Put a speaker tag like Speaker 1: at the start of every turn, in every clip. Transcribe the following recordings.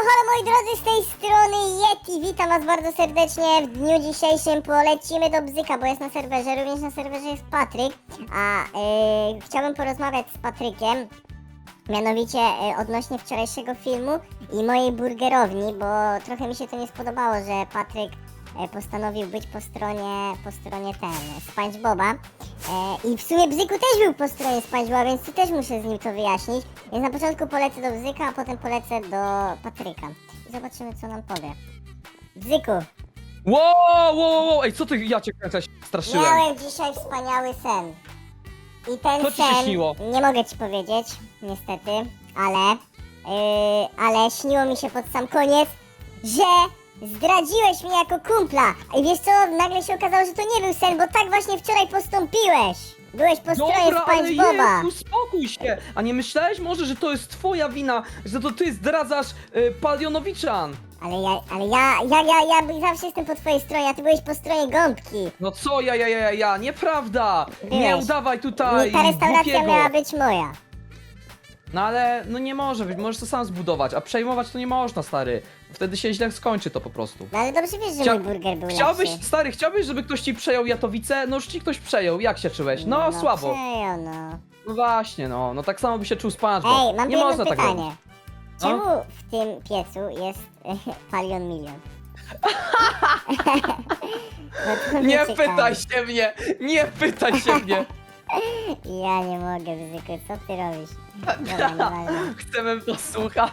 Speaker 1: halo moi drodzy, z tej strony Yeti, witam was bardzo serdecznie. W dniu dzisiejszym polecimy do Bzyka, bo jest na serwerze, również na serwerze jest Patryk. A chciałbym porozmawiać z Patrykiem, mianowicie odnośnie wczorajszego filmu i mojej burgerowni, bo trochę mi się to nie spodobało, że Patryk postanowił być po stronie SpongeBoba. I w sumie Bzyku też był po stronie SpongeBoba, więc tu też muszę z nim to wyjaśnić. Więc na początku polecę do Bzyka, a potem polecę do Patryka. I zobaczymy, co nam powie. Bzyku,
Speaker 2: Wow, ej, co ty, ja cię kręcę, straszyłem.
Speaker 1: miałem dzisiaj wspaniały sen. I ten
Speaker 2: Co ci się
Speaker 1: sen,
Speaker 2: śniło?
Speaker 1: nie mogę ci powiedzieć, niestety, ale śniło mi się pod sam koniec, że zdradziłeś mnie jako kumpla. I wiesz co, nagle się okazało, że to nie był sen, bo tak właśnie wczoraj postąpiłeś. Byłeś po stronie
Speaker 2: Dobra, ale
Speaker 1: SpongeBoba.
Speaker 2: Jezu, uspokój się. A nie myślałeś może, że to jest twoja wina, że to ty zdradzasz Palionowiczan?
Speaker 1: Ale ja zawsze jestem po twojej stronie, a ty byłeś po stronie gąbki.
Speaker 2: No co, nieprawda. Nie
Speaker 1: Byłeś.
Speaker 2: udawaj tutaj
Speaker 1: Ta restauracja
Speaker 2: głupiego.
Speaker 1: miała być moja.
Speaker 2: No ale, no nie może być, możesz to sam zbudować, a przejmować to nie można, stary. Wtedy się źle skończy to po prostu.
Speaker 1: No ale dobrze wiesz, że
Speaker 2: Chcia-
Speaker 1: mój burger był
Speaker 2: Chciałbyś,
Speaker 1: lepszy.
Speaker 2: stary, chciałbyś, żeby ktoś ci przejął Jatowice? No już ci ktoś przejął, jak się czułeś? No słabo.
Speaker 1: Przejo, no.
Speaker 2: No właśnie, no tak samo by się czuł SpongeBob.
Speaker 1: Ej, mam
Speaker 2: nie
Speaker 1: tu
Speaker 2: można
Speaker 1: jedno
Speaker 2: tak robić.
Speaker 1: pytanie.
Speaker 2: No?
Speaker 1: Czemu w tym piecu jest Palion Milion? No to mnie
Speaker 2: Nie
Speaker 1: ciekawi.
Speaker 2: pytaj się mnie! Nie pytaj się mnie!
Speaker 1: Ja nie mogę, Bzyku, co ty robisz? Dobra, nieważne.
Speaker 2: Chcemy posłuchać.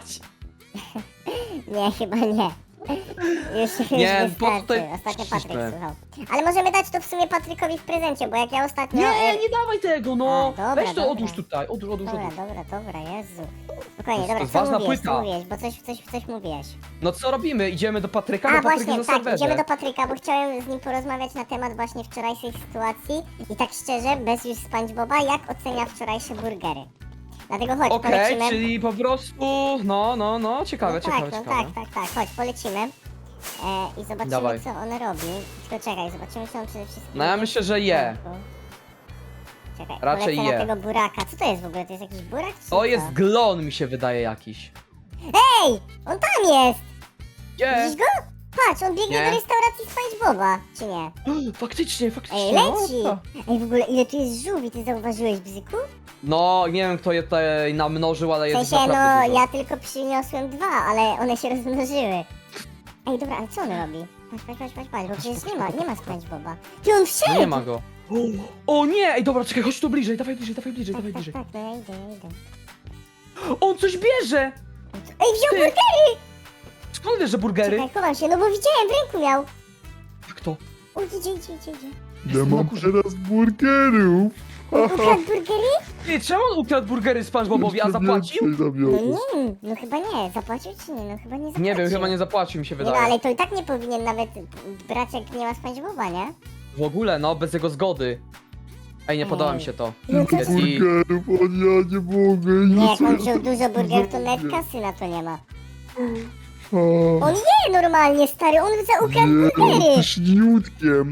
Speaker 1: Nie, chyba nie. Już
Speaker 2: Nie, bo
Speaker 1: wystarczy.
Speaker 2: tutaj
Speaker 1: Ostatnio Patryk
Speaker 2: przyszliśmy.
Speaker 1: słuchał. Ale możemy dać to w sumie Patrykowi w prezencie, bo jak ja ostatnio...
Speaker 2: Nie dawaj tego, no!
Speaker 1: A, dobra,
Speaker 2: Weź to
Speaker 1: dobra.
Speaker 2: odłóż tutaj, odłóż.
Speaker 1: Dobra, Jezu. Spokojnie,
Speaker 2: To
Speaker 1: dobra,
Speaker 2: jest
Speaker 1: co
Speaker 2: ważna
Speaker 1: mówiłeś,
Speaker 2: płyta.
Speaker 1: bo coś mówiłeś.
Speaker 2: No co robimy? Idziemy do Patryka,
Speaker 1: A
Speaker 2: bo Patryk
Speaker 1: właśnie,
Speaker 2: jest na
Speaker 1: tak,
Speaker 2: serwerze.
Speaker 1: idziemy do Patryka, bo chciałem z nim porozmawiać na temat właśnie wczorajszej sytuacji i tak szczerze, bez już SpongeBoba, jak ocenia wczorajsze burgery. Dlatego chodź,
Speaker 2: Okej,
Speaker 1: polecimy.
Speaker 2: czyli po prostu, no, ciekawe, ciekawe.
Speaker 1: Tak, chodź, polecimy. I zobaczymy,
Speaker 2: Dawaj.
Speaker 1: co on robi. Tylko czekaj, zobaczymy, co on przede wszystkim...
Speaker 2: No ja
Speaker 1: robi.
Speaker 2: myślę, że je.
Speaker 1: Czekaj,
Speaker 2: Raczej
Speaker 1: polecę
Speaker 2: je.
Speaker 1: na tego buraka. Co to jest w ogóle? To jest jakiś burak, czy
Speaker 2: To
Speaker 1: co?
Speaker 2: jest glon, mi się wydaje jakiś.
Speaker 1: Ej! On tam jest!
Speaker 2: Gdzie?
Speaker 1: Widzisz go? Patrz, on biegnie
Speaker 2: Nie.
Speaker 1: do restauracji SpongeBoba, czy nie?
Speaker 2: Faktycznie.
Speaker 1: Ej, leci! Ej, w ogóle ile tu jest żółwi, ty zauważyłeś, Bzyku?
Speaker 2: No, nie wiem kto je tutaj namnożył, ale
Speaker 1: W
Speaker 2: jest
Speaker 1: sensie,
Speaker 2: naprawdę
Speaker 1: no,
Speaker 2: dużo.
Speaker 1: ja tylko przyniosłem dwa, ale one się rozmnożyły. Ej, dobra, ale co on robi? Patrz, bo przecież nie ma SpongeBoba. Ty, on wszedł!
Speaker 2: No nie ma go. O nie! Ej, dobra, czekaj, chodź tu bliżej, dawaj bliżej.
Speaker 1: Tak, no ja idę.
Speaker 2: On coś bierze!
Speaker 1: Ej, wziął
Speaker 2: Ty.
Speaker 1: burgery!
Speaker 2: Skąd wiesz, że burgery?
Speaker 1: Czekaj, chowam się, no bo widziałem, w ręku miał.
Speaker 2: Jak to?
Speaker 1: O, idzie.
Speaker 3: Ja mam teraz burgerów.
Speaker 1: On ukradł burgery?
Speaker 2: Ty, czemu on ukradł burgery SpongeBobowi, a
Speaker 3: Jeszcze
Speaker 2: zapłacił?
Speaker 3: więcej
Speaker 1: No
Speaker 3: zabiorę.
Speaker 1: nie, no chyba nie. Zapłacił czy nie? No chyba nie zapłacił.
Speaker 2: Nie wiem, chyba nie zapłacił, mi się
Speaker 1: Nie, no
Speaker 2: wydaje.
Speaker 1: ale to i tak nie powinien nawet brać, jak nie ma SpongeBoba, nie?
Speaker 2: W ogóle, no, bez jego zgody. Ej, nie podoba mi się to.
Speaker 1: No to
Speaker 2: Jest
Speaker 1: co?
Speaker 2: i...
Speaker 3: Burgerów, o ja nie mogę.
Speaker 1: Nie,
Speaker 3: ja
Speaker 1: jak on
Speaker 3: co
Speaker 1: wziął
Speaker 3: ja
Speaker 1: dużo burgerów, to nawet
Speaker 3: zrobię?
Speaker 1: kasy na to nie ma.
Speaker 3: A,
Speaker 1: On je normalnie, stary, on ukradł
Speaker 3: nie,
Speaker 1: burgery.
Speaker 3: ty śniutkiem.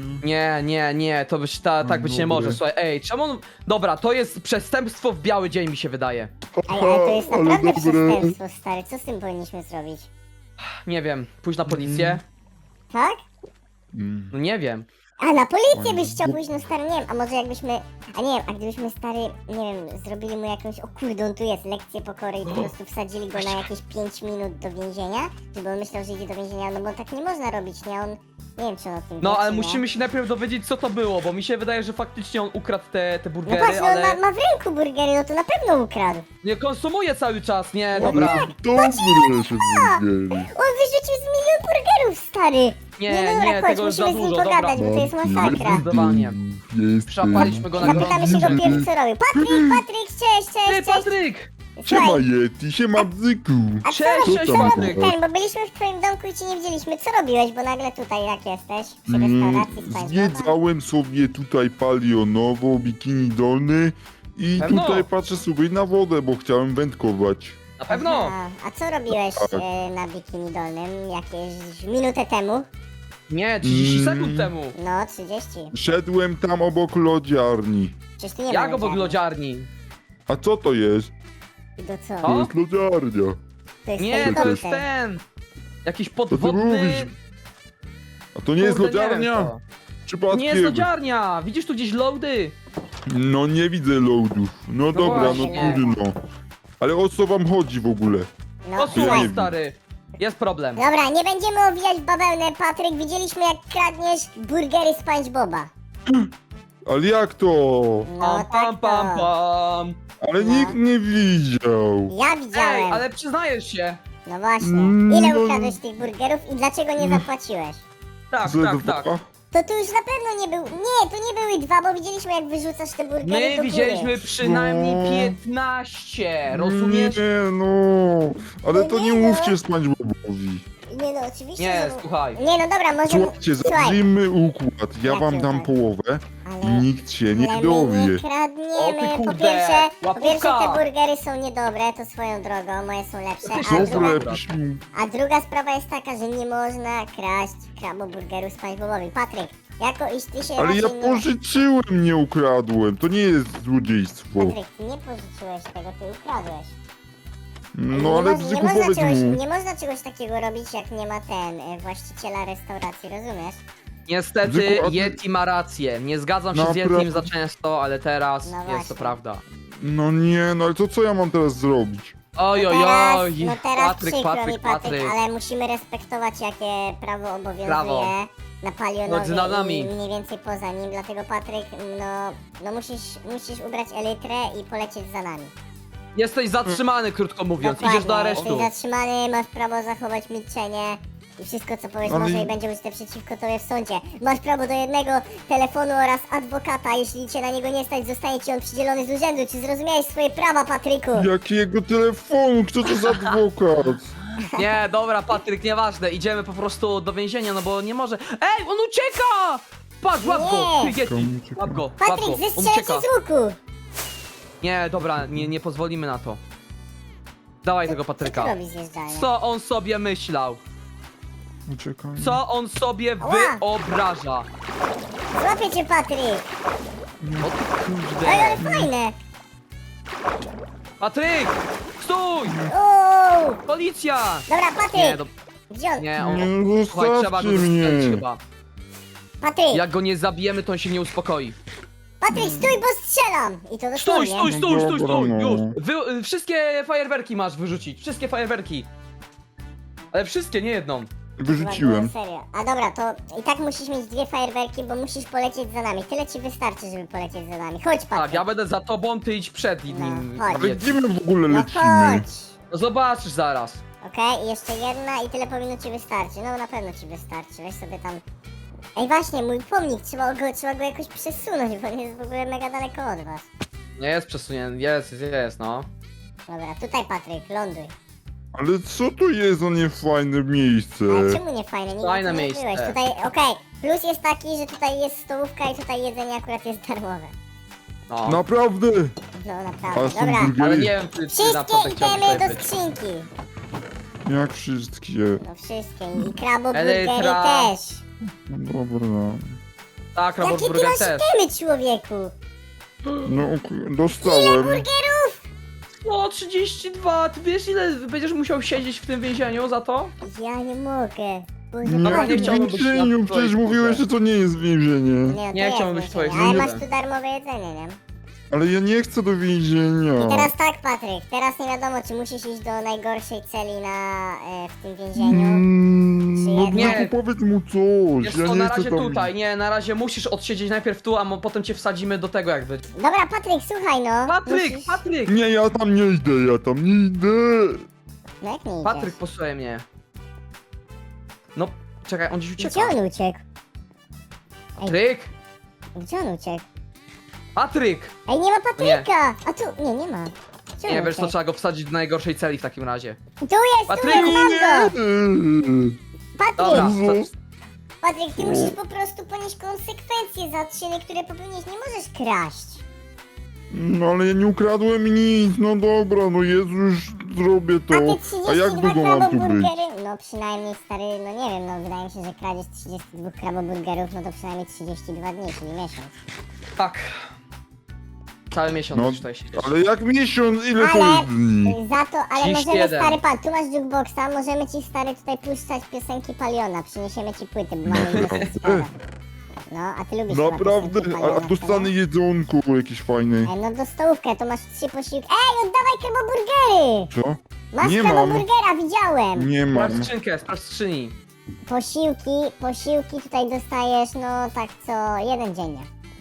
Speaker 2: Nie, to być tak być nie
Speaker 3: Dobra.
Speaker 2: może, słuchaj, ej, czemu on... Dobra, to jest przestępstwo w biały dzień, mi się wydaje.
Speaker 1: Ale to jest
Speaker 3: Ale
Speaker 1: naprawdę
Speaker 3: dobre.
Speaker 1: przestępstwo, stary, co z tym powinniśmy zrobić?
Speaker 2: Nie wiem, pójść na policję?
Speaker 1: Tak?
Speaker 2: No nie wiem.
Speaker 1: A na policję byś chciał pójść, no stary, nie wiem, a może jakbyśmy, a nie wiem, a gdybyśmy stary, nie wiem, zrobili mu jakąś, o kurde, on tu jest, lekcję pokory i po prostu wsadzili go na jakieś 5 minut do więzienia, żeby on myślał, że idzie do więzienia, no bo tak nie można robić, nie, on, nie wiem, czy on o tym wie,
Speaker 2: No, ale
Speaker 1: czy nie.
Speaker 2: musimy się najpierw dowiedzieć, co to było, bo mi się wydaje, że faktycznie on ukradł te
Speaker 1: No
Speaker 2: burgery,
Speaker 1: patrz, no,
Speaker 2: ale
Speaker 1: ma w ręku burgery, no to na pewno ukradł.
Speaker 2: nie konsumuje cały czas, nie,
Speaker 1: No
Speaker 2: dobra.
Speaker 3: Dobre się burgery.
Speaker 1: On wyrzucił z milion burgerów, stary.
Speaker 2: Nie,
Speaker 1: dobra, chodź,
Speaker 2: tego już za
Speaker 1: musimy z nim
Speaker 2: dużo, dobra.
Speaker 1: pogadać, bo to jest masakra.
Speaker 2: Zdecydowanie. Przapaliśmy go na
Speaker 1: Zapytamy się go pierwszy, co robił. Patryk, cześć,
Speaker 2: Ty,
Speaker 1: cześć.
Speaker 2: Patryk!
Speaker 3: Siema
Speaker 1: Słuchaj,
Speaker 3: Yeti, siema Bzyku.
Speaker 1: a co
Speaker 2: Cześć,
Speaker 1: robisz,
Speaker 2: cześć,
Speaker 1: co
Speaker 2: Patryk.
Speaker 1: robisz ten, bo byliśmy w twoim domku i cię nie widzieliśmy. Co robiłeś, bo nagle tutaj jak jesteś? Przy restauracji SpongeBoba?
Speaker 3: Zwiedzałem sobie tutaj Palionowo, Bikini Dolny i
Speaker 2: Pewno.
Speaker 3: tutaj patrzę sobie na wodę, bo chciałem wędkować.
Speaker 2: Na pewno!
Speaker 1: A co robiłeś
Speaker 3: Tak.
Speaker 1: na Bikini Dolnym jakieś minutę temu?
Speaker 2: Nie, 30 sekund temu.
Speaker 1: No, 30.
Speaker 3: Szedłem tam obok lodziarni.
Speaker 1: Przecież tu nie ma
Speaker 2: Jak obok
Speaker 1: lodziarni.
Speaker 2: lodziarni?
Speaker 3: A co to jest?
Speaker 1: Do co?
Speaker 2: O?
Speaker 3: To jest lodziarnia.
Speaker 1: To jest
Speaker 2: Nie, to
Speaker 1: helikopter.
Speaker 2: jest ten! Jakiś
Speaker 3: Co ty
Speaker 2: podwodny...
Speaker 3: mówisz? A to nie jest
Speaker 2: Kurde, nie wiem
Speaker 3: lodziarnia?
Speaker 2: co.
Speaker 3: Przypadkiem?
Speaker 2: Nie jest lodziarnia! Widzisz tu gdzieś loady?
Speaker 3: No nie widzę loadów. No dobra, no
Speaker 2: właśnie.
Speaker 3: trudno. Ale o co wam chodzi w ogóle?
Speaker 1: No,
Speaker 3: Ja
Speaker 2: Posłuchaj,
Speaker 3: nie
Speaker 2: stary. Jest problem.
Speaker 1: Dobra, nie będziemy owijać w bawełnę, Patryk. Widzieliśmy, jak kradniesz burgery SpongeBoba.
Speaker 3: Ale jak to?
Speaker 1: No,
Speaker 2: Pam, pam,
Speaker 1: tak
Speaker 2: pam,
Speaker 1: to.
Speaker 2: pam.
Speaker 3: Ale
Speaker 1: No.
Speaker 3: nikt nie widział.
Speaker 1: Ja widziałem.
Speaker 2: Ej, ale przyznajesz się.
Speaker 1: No właśnie.
Speaker 3: Mm,
Speaker 1: Ile
Speaker 3: no.
Speaker 1: ukradłeś tych burgerów i dlaczego nie zapłaciłeś?
Speaker 2: Tak,
Speaker 3: Ze
Speaker 2: tak,
Speaker 3: dwa?
Speaker 2: tak.
Speaker 1: To już na pewno nie był... Nie, to nie były 2, bo widzieliśmy, jak wyrzucasz te burgery do
Speaker 2: My
Speaker 1: góry.
Speaker 2: widzieliśmy przynajmniej
Speaker 3: No.
Speaker 2: 15, rozumiesz?
Speaker 3: Nie no. Ale to nie
Speaker 1: Nie, no.
Speaker 3: mówcie SpongeBobowi.
Speaker 1: Nie no, oczywiście,
Speaker 2: Nie,
Speaker 1: że...
Speaker 2: słuchaj.
Speaker 1: Nie no, dobra, może...
Speaker 3: Słuchajcie, zacznijmy układ. Ja
Speaker 1: Jaki
Speaker 3: wam dam
Speaker 1: układ?
Speaker 3: połowę i
Speaker 1: Ale...
Speaker 3: nikt się nie
Speaker 1: Ale my
Speaker 3: dowie.
Speaker 1: nie
Speaker 2: O ty
Speaker 1: kradniemy.
Speaker 2: kurde,
Speaker 1: Po pierwsze
Speaker 2: łapówka.
Speaker 1: te burgery są niedobre, to swoją drogą, moje są lepsze.
Speaker 2: Ty
Speaker 1: A
Speaker 2: się
Speaker 1: druga,
Speaker 3: Dobre,
Speaker 1: a druga sprawa jest taka, że nie można kraść kraboburgeru SpongeBobowi. Patryk, jako iż ty się
Speaker 3: ale ja
Speaker 1: raczej nie...
Speaker 3: pożyczyłem, nie ukradłem. To nie jest złodziejstwo.
Speaker 1: Patryk, ty nie pożyczyłeś tego, ty ukradłeś.
Speaker 3: No ale Bzyku, powiedz mu.
Speaker 1: nie można czegoś takiego robić, jak nie ma właściciela restauracji, rozumiesz?
Speaker 2: Niestety
Speaker 3: Bzyku, a ty-
Speaker 2: Yeti ma rację. Nie zgadzam się z
Speaker 3: Naprawdę?
Speaker 2: Yetim za często, ale teraz
Speaker 1: No
Speaker 2: jest
Speaker 1: właśnie.
Speaker 2: to prawda.
Speaker 3: No nie, no ale to co ja mam teraz zrobić?
Speaker 2: Oj,
Speaker 1: No
Speaker 2: oj,
Speaker 1: teraz,
Speaker 2: oj.
Speaker 1: no teraz
Speaker 2: Patryk,
Speaker 1: przykro mi,
Speaker 2: Patryk,
Speaker 1: Patryk,
Speaker 2: Patryk.
Speaker 1: ale musimy respektować, jakie prawo obowiązuje
Speaker 2: Prawo.
Speaker 1: na Palionowie
Speaker 2: Między nami.
Speaker 1: i mniej więcej poza nim, dlatego Patryk, no musisz ubrać elytrę i polecieć za nami.
Speaker 2: Jesteś zatrzymany, krótko mówiąc.
Speaker 1: Dokładnie,
Speaker 2: Idziesz do aresztu.
Speaker 1: jesteś zatrzymany, masz prawo zachować milczenie i wszystko, co powiesz,
Speaker 3: Ale-
Speaker 1: może i będzie użyte przeciwko tobie w sądzie. Masz prawo do jednego telefonu oraz adwokata, jeśli cię na niego nie stać, zostanie ci on przydzielony z urzędu. Czy zrozumiałeś swoje prawa, Patryku?
Speaker 3: Jakiego telefonu? Kto to za adwokat?
Speaker 2: Nie, dobra, Patryk, nieważne. Idziemy po prostu do więzienia, no bo nie może. Ej, on ucieka! Patrz, łap go!
Speaker 1: Nie.
Speaker 2: Ty, Yeti,
Speaker 3: Komu ucieka?
Speaker 2: łap go, łap
Speaker 1: Patryk,
Speaker 2: go. On
Speaker 1: zestrzelę
Speaker 2: ucieka.
Speaker 1: cię z łuku!
Speaker 2: Nie, dobra, nie pozwolimy na to. Dawaj tego
Speaker 1: Co ty
Speaker 2: Patryka.
Speaker 1: robisz zjeżdżalnie?
Speaker 2: Co on sobie myślał?
Speaker 3: Uciekaj.
Speaker 2: Co on sobie
Speaker 1: Ała.
Speaker 2: wyobraża?
Speaker 1: Złapię cię, Patryk!
Speaker 2: O ty kurde.
Speaker 1: Oj, ale fajne!
Speaker 2: Patryk! Stój!
Speaker 1: Uuu!
Speaker 2: Policja!
Speaker 1: Dobra,
Speaker 2: Nie,
Speaker 1: Patryk!
Speaker 2: do...
Speaker 1: Gdzie on?
Speaker 2: nie, on...
Speaker 3: Nie,
Speaker 2: Słuchaj, trzeba
Speaker 3: zostawcie
Speaker 2: go zastrzelić
Speaker 3: mnie.
Speaker 2: chyba.
Speaker 1: Patryk!
Speaker 2: Jak go nie zabijemy, to on się nie uspokoi.
Speaker 1: Patryk, stój, bo strzelam! I to
Speaker 2: Stój,
Speaker 1: dosłownie.
Speaker 2: stój,
Speaker 3: Dobra, no.
Speaker 2: już! Wszystkie fajerwerki masz wyrzucić, wszystkie fajerwerki. Ale wszystkie, nie jedną.
Speaker 3: Wyrzuciłem.
Speaker 1: Serio. A dobra, to i tak musisz mieć 2 fajerwerki, bo musisz polecieć za nami. Tyle ci wystarczy, żeby polecieć za nami. Chodź,
Speaker 2: Tak,
Speaker 1: Patryk.
Speaker 2: ja będę za tobą, ty idź przed nim.
Speaker 1: No, chodź.
Speaker 3: Ale gdzie my w ogóle
Speaker 1: No
Speaker 3: lecimy?
Speaker 1: chodź!
Speaker 2: No zobaczysz zaraz.
Speaker 1: Okej, i jeszcze jedna i tyle powinno ci wystarczy. No na pewno ci wystarczy, weź sobie tam... Ej właśnie, mój pomnik, trzeba go jakoś przesunąć, bo on jest w ogóle mega daleko od was.
Speaker 2: Nie jest przesunięty, jest, no.
Speaker 1: Dobra, tutaj Patryk, ląduj.
Speaker 3: Ale co to jest za niefajne miejsce?
Speaker 1: Ale czemu nie fajne? Nigdy
Speaker 2: Fajne
Speaker 1: tu nie
Speaker 2: miejsce.
Speaker 1: byłeś. Tutaj, okej, plus jest taki, że tutaj jest stołówka i tutaj jedzenie akurat jest darmowe.
Speaker 2: No.
Speaker 3: Naprawdę?
Speaker 1: No naprawdę,
Speaker 3: A są
Speaker 1: dobra.
Speaker 2: Ale
Speaker 3: burgery?
Speaker 2: nie wiem, czy
Speaker 1: Wszystkie
Speaker 2: naprawdę chciałbyś
Speaker 1: itemy
Speaker 2: tutaj
Speaker 1: do
Speaker 2: być.
Speaker 1: skrzynki.
Speaker 3: Jak wszystkie?
Speaker 1: No wszystkie. I kraboburgery
Speaker 2: Elytra.
Speaker 1: też.
Speaker 3: No dobra.
Speaker 2: Tak,
Speaker 1: Jakie
Speaker 2: robot
Speaker 1: ty
Speaker 2: burger
Speaker 1: masz
Speaker 2: też.
Speaker 1: itemy, człowieku?
Speaker 3: No dostałem.
Speaker 1: Burgerów?
Speaker 2: No, 32, ty wiesz ile będziesz musiał siedzieć w tym więzieniu za to?
Speaker 1: Ja nie mogę. Boże,
Speaker 2: Dobra,
Speaker 3: Nie,
Speaker 1: Patryk.
Speaker 2: nie chciałbym
Speaker 3: w
Speaker 2: być na
Speaker 3: więzieniu, przecież
Speaker 2: twoim
Speaker 3: mówiłeś, że to nie jest więzienie.
Speaker 1: Nie,
Speaker 2: Nie
Speaker 1: to
Speaker 2: chciałbym
Speaker 1: jest
Speaker 2: być twoim
Speaker 1: więzienie. Ale
Speaker 2: żołnierzem.
Speaker 1: masz tu darmowe jedzenie, nie?
Speaker 3: Ale ja nie chcę do więzienia.
Speaker 1: I teraz tak, Patryk, teraz nie wiadomo, czy musisz iść do najgorszej celi w tym więzieniu.
Speaker 3: No
Speaker 1: Nie.
Speaker 3: Bzyku, powiedz mu coś.
Speaker 2: Jest
Speaker 3: Ja
Speaker 2: to
Speaker 3: nie
Speaker 2: na
Speaker 3: chcę
Speaker 2: razie
Speaker 3: tam...
Speaker 2: tutaj, nie, na razie musisz odsiedzieć najpierw tu, a potem cię wsadzimy do tego jakby.
Speaker 1: Dobra, Patryk, słuchaj no.
Speaker 2: Patryk,
Speaker 1: Musisz...
Speaker 2: Patryk!
Speaker 3: Nie, ja tam nie idę, ja tam nie idę.
Speaker 1: No jak nie idziesz?
Speaker 2: Patryk, posłuchaj mnie. No, czekaj, on gdzieś
Speaker 1: Gdzie
Speaker 2: ucieka.
Speaker 1: on uciekł?
Speaker 2: Patryk!
Speaker 1: Gdzie on uciekł?
Speaker 2: Patryk!
Speaker 1: Ej, nie ma Patryka! A tu, nie ma. Gdzie
Speaker 2: Nie,
Speaker 1: on
Speaker 2: wiesz co,
Speaker 1: uciekł?
Speaker 2: trzeba go wsadzić do najgorszej celi w takim razie.
Speaker 1: Tu jest,
Speaker 2: Patryk,
Speaker 1: tu jest, mam go!
Speaker 2: Dobra,
Speaker 1: Patryk,
Speaker 2: to-
Speaker 1: Patryk, ty musisz po prostu ponieść konsekwencje za czyny, które popełniłeś. Nie możesz kraść.
Speaker 3: No ale ja nie ukradłem nic, no dobra, no Jezu, już zrobię
Speaker 1: A
Speaker 3: to.
Speaker 1: te 32
Speaker 3: A jak długo mam tu być?
Speaker 1: kraboburgery? No przynajmniej stary, no nie wiem, no wydaje mi się, że kradzież 32 kraboburgerów, no to przynajmniej 32 dni, czyli miesiąc.
Speaker 2: Tak. Cały miesiąc
Speaker 3: No,
Speaker 2: już tutaj siedzisz.
Speaker 3: ale jak miesiąc, ile to
Speaker 1: Ale
Speaker 3: jest dni?
Speaker 1: za to, ale
Speaker 2: 31.
Speaker 1: możemy, stary, pan, tu masz jukeboxa, możemy ci, stary, tutaj puszczać piosenki Paliona, przyniesiemy ci płyty, bo mamy dosyć sporo. No, a ty lubisz chyba
Speaker 3: Naprawdę?
Speaker 1: piosenki
Speaker 3: A
Speaker 1: Paliona,
Speaker 3: dostanę jedzonku jakieś fajne.
Speaker 1: No do stołówkę, to masz 3 posiłki. Ej, oddawaj kraboburgery!
Speaker 3: Co?
Speaker 1: Masz
Speaker 3: Nie mam.
Speaker 1: kraboburgera, widziałem!
Speaker 3: Nie mam.
Speaker 2: Sprawdź skrzynkę, sprawdź skrzyni.
Speaker 1: Posiłki tutaj dostajesz, no tak co, 1 dziennie.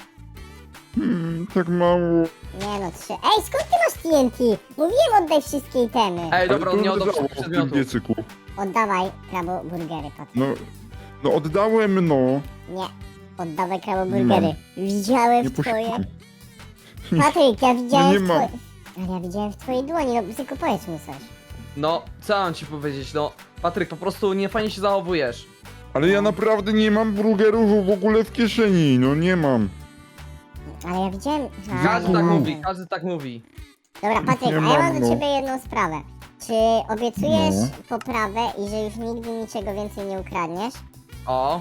Speaker 3: Tak mało.
Speaker 1: Nie no, 3. Ej, skąd ty masz TNT? Mówiłem, oddaj wszystkie itemy.
Speaker 2: Ej, dobra,
Speaker 3: Ale
Speaker 2: on nie
Speaker 3: to
Speaker 2: oddał
Speaker 3: leżało
Speaker 2: wszystkich
Speaker 3: w tym
Speaker 2: przedmiotów.
Speaker 3: piecyku.
Speaker 1: Oddawaj kraboburgery, Patryk.
Speaker 3: No oddałem, no.
Speaker 1: Nie, oddawaj kraboburgery. Widziałem
Speaker 3: Nie
Speaker 1: w twoje...
Speaker 3: posiadam.
Speaker 1: Patryk, ja widziałem
Speaker 3: nie
Speaker 1: w
Speaker 3: mam.
Speaker 1: twoje... Ale ja widziałem w twojej dłoni, no tylko powiedz mu coś.
Speaker 2: No, co mam ci powiedzieć, no. Patryk, po prostu nie fajnie się zachowujesz.
Speaker 3: Ale ja naprawdę nie mam burgerów w ogóle w kieszeni, no nie mam.
Speaker 1: Ale ja widziałem...
Speaker 2: Każdy
Speaker 1: nie
Speaker 2: tak
Speaker 1: mam.
Speaker 2: mówi, każdy tak mówi.
Speaker 1: Dobra, Patryk,
Speaker 3: Nie
Speaker 1: a ja
Speaker 3: mam,
Speaker 1: mam do
Speaker 3: no.
Speaker 1: ciebie jedną sprawę. Czy obiecujesz
Speaker 3: No.
Speaker 1: poprawę i że już nigdy niczego więcej nie ukradniesz?
Speaker 2: O.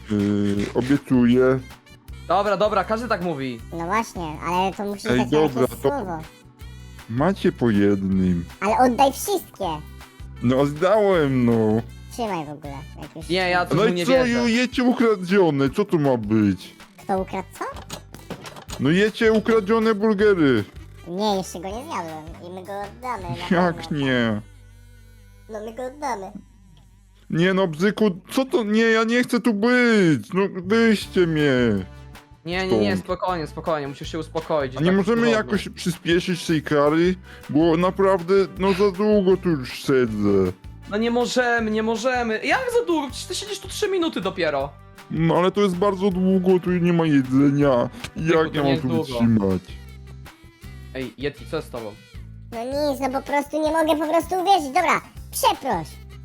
Speaker 3: Obiecuję.
Speaker 2: Dobra, każdy tak mówi.
Speaker 1: No właśnie, ale to musisz
Speaker 3: Ej,
Speaker 1: dać
Speaker 3: dobra,
Speaker 1: jakieś
Speaker 3: to-
Speaker 1: słowo.
Speaker 3: Macie po jednym.
Speaker 1: Ale oddaj wszystkie.
Speaker 3: No zdałem, no.
Speaker 1: Trzymaj w ogóle. Jak już...
Speaker 2: Nie, ja to
Speaker 3: No
Speaker 2: mu
Speaker 3: i
Speaker 2: nie
Speaker 3: co,
Speaker 2: wierzę.
Speaker 3: jecie ukradzione, co to ma być?
Speaker 1: Kto ukradł co?
Speaker 3: No jecie ukradzione burgery.
Speaker 1: Nie, jeszcze go nie zjadłem i my go oddamy. na
Speaker 3: Jak
Speaker 1: pewno.
Speaker 3: nie?
Speaker 1: No my go oddamy.
Speaker 3: Nie no, bzyku, co to? Nie, ja nie chcę tu być. No wyjście mnie.
Speaker 2: Nie,
Speaker 3: Stąd.
Speaker 2: spokojnie, musisz się uspokoić.
Speaker 3: A nie
Speaker 2: Tak
Speaker 3: możemy
Speaker 2: porządnie.
Speaker 3: jakoś przyspieszyć tej kary? Bo naprawdę, no za długo tu już siedzę.
Speaker 2: No nie możemy. Jak za długo? Przecież ty siedzisz tu 3 minuty dopiero.
Speaker 3: No ale to jest bardzo długo, tu nie ma jedzenia.
Speaker 2: to
Speaker 3: Jak ja
Speaker 2: nie
Speaker 3: mam
Speaker 2: jest
Speaker 3: tu
Speaker 2: długo.
Speaker 3: wytrzymać?
Speaker 2: Ej, Yeti, co z tobą?
Speaker 1: No nic, no po prostu nie mogę po prostu uwierzyć. Dobra, przeproś.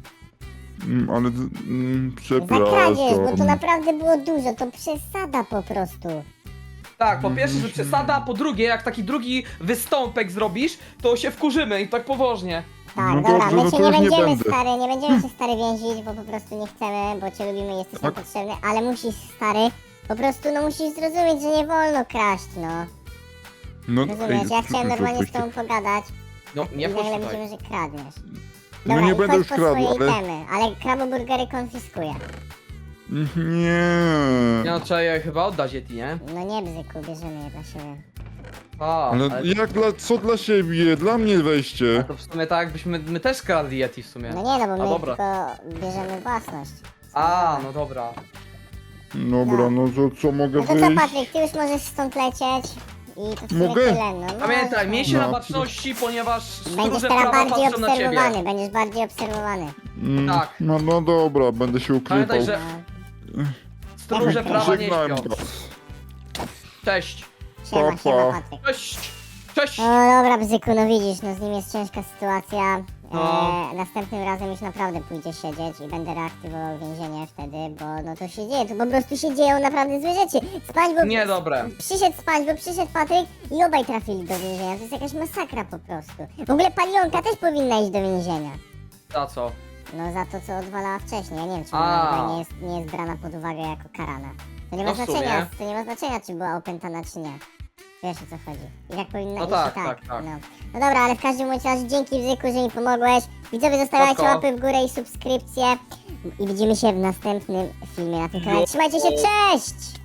Speaker 3: Ale
Speaker 1: Za kradzież, bo to
Speaker 3: przepraszam.
Speaker 1: naprawdę było dużo, to przesada po prostu.
Speaker 2: Tak, po pierwsze, że przesada, a po drugie, jak taki drugi wystąpek zrobisz, to się wkurzymy i tak poważnie.
Speaker 1: Tak,
Speaker 3: No
Speaker 1: dobra,
Speaker 3: dobrze,
Speaker 1: my
Speaker 3: no
Speaker 1: cię
Speaker 3: to
Speaker 1: nie
Speaker 3: już nie
Speaker 1: będziemy
Speaker 3: będę.
Speaker 1: stary, nie będziemy się stary więzić, bo po prostu nie chcemy, bo cię lubimy, jesteś nam
Speaker 3: Tak.
Speaker 1: potrzebny, ale musisz stary, po prostu no musisz zrozumieć, że nie wolno kraść, no.
Speaker 3: No,
Speaker 1: Rozumiesz, ja chciałem normalnie z
Speaker 3: to-
Speaker 1: tobą pogadać
Speaker 2: No,
Speaker 1: i
Speaker 2: nie wchodź
Speaker 1: nagle
Speaker 2: tutaj.
Speaker 1: widzimy, że kradniesz.
Speaker 3: No
Speaker 1: Dobra,
Speaker 3: nie
Speaker 1: i
Speaker 3: będę
Speaker 1: chodź
Speaker 3: już
Speaker 1: po
Speaker 3: kradł,
Speaker 1: swoje
Speaker 3: ale...
Speaker 1: itemy, ale kraboburgery konfiskuję.
Speaker 3: Nie.
Speaker 2: No, trzeba je chyba oddać Yeti, nie?
Speaker 1: No nie bzyku, bierzemy je dla siebie.
Speaker 2: A,
Speaker 3: Ale jak co dla siebie? Dla mnie weźcie.
Speaker 2: to w sumie tak, jakbyśmy my też kradli Yeti w sumie.
Speaker 1: No nie, no bo
Speaker 2: A,
Speaker 1: my
Speaker 2: dobra.
Speaker 1: tylko bierzemy własność.
Speaker 2: A, no dobra.
Speaker 3: Dobra, no to co, mogę
Speaker 1: No to co
Speaker 3: wyjść?
Speaker 1: Patryk, ty już możesz stąd lecieć i to w sumie
Speaker 3: Mogę?
Speaker 1: tyle, no.
Speaker 2: Pamiętaj,
Speaker 1: możesz,
Speaker 2: miej się
Speaker 3: No.
Speaker 2: na baczności, ponieważ
Speaker 1: Będziesz
Speaker 2: stróże
Speaker 1: teraz
Speaker 2: prawa
Speaker 1: bardziej
Speaker 2: patrzą na ciebie.
Speaker 1: obserwowany, będziesz bardziej obserwowany.
Speaker 2: Tak.
Speaker 3: No dobra, będę się ukrywał.
Speaker 2: Pamiętaj, że stróże
Speaker 1: Tak.
Speaker 2: prawa nie
Speaker 3: Żegnałem
Speaker 2: śpią.
Speaker 3: was.
Speaker 2: Cześć.
Speaker 1: Siema,
Speaker 3: Pa,
Speaker 1: siema
Speaker 3: pa.
Speaker 1: Patryk.
Speaker 2: Cześć. Cześć.
Speaker 1: No dobra Bzyku, no widzisz, no z nim jest ciężka sytuacja.
Speaker 2: No.
Speaker 1: Następnym razem już naprawdę pójdzie siedzieć i będę reaktywował więzienie wtedy, bo no to się dzieje, to po prostu się dzieją naprawdę złe rzeczy. Spać, bo...
Speaker 2: Niedobre.
Speaker 1: Przyszedł spać, bo przyszedł Patryk i obaj trafili do więzienia, to jest jakaś masakra po prostu. W ogóle Palionka też powinna iść do więzienia.
Speaker 2: Za co?
Speaker 1: No za to, co odwalała wcześniej. Ja nie wiem, czy
Speaker 2: A.
Speaker 1: ona w ogóle nie jest brana pod uwagę jako karana. To nie ma
Speaker 2: No w sumie.
Speaker 1: znaczenia, to nie ma znaczenia, czy była opętana, czy nie. Wiesz, o co chodzi. I jak powinna
Speaker 2: No
Speaker 1: iść,
Speaker 2: tak,
Speaker 1: i tak.
Speaker 2: tak.
Speaker 1: No. No dobra, ale w każdym bądź razie dzięki Bzyku, że mi pomogłeś. Widzowie, zostawiajcie
Speaker 2: Spoko.
Speaker 1: łapy w górę i subskrypcje. I widzimy się w następnym filmie na tym kanale. Trzymajcie się, cześć!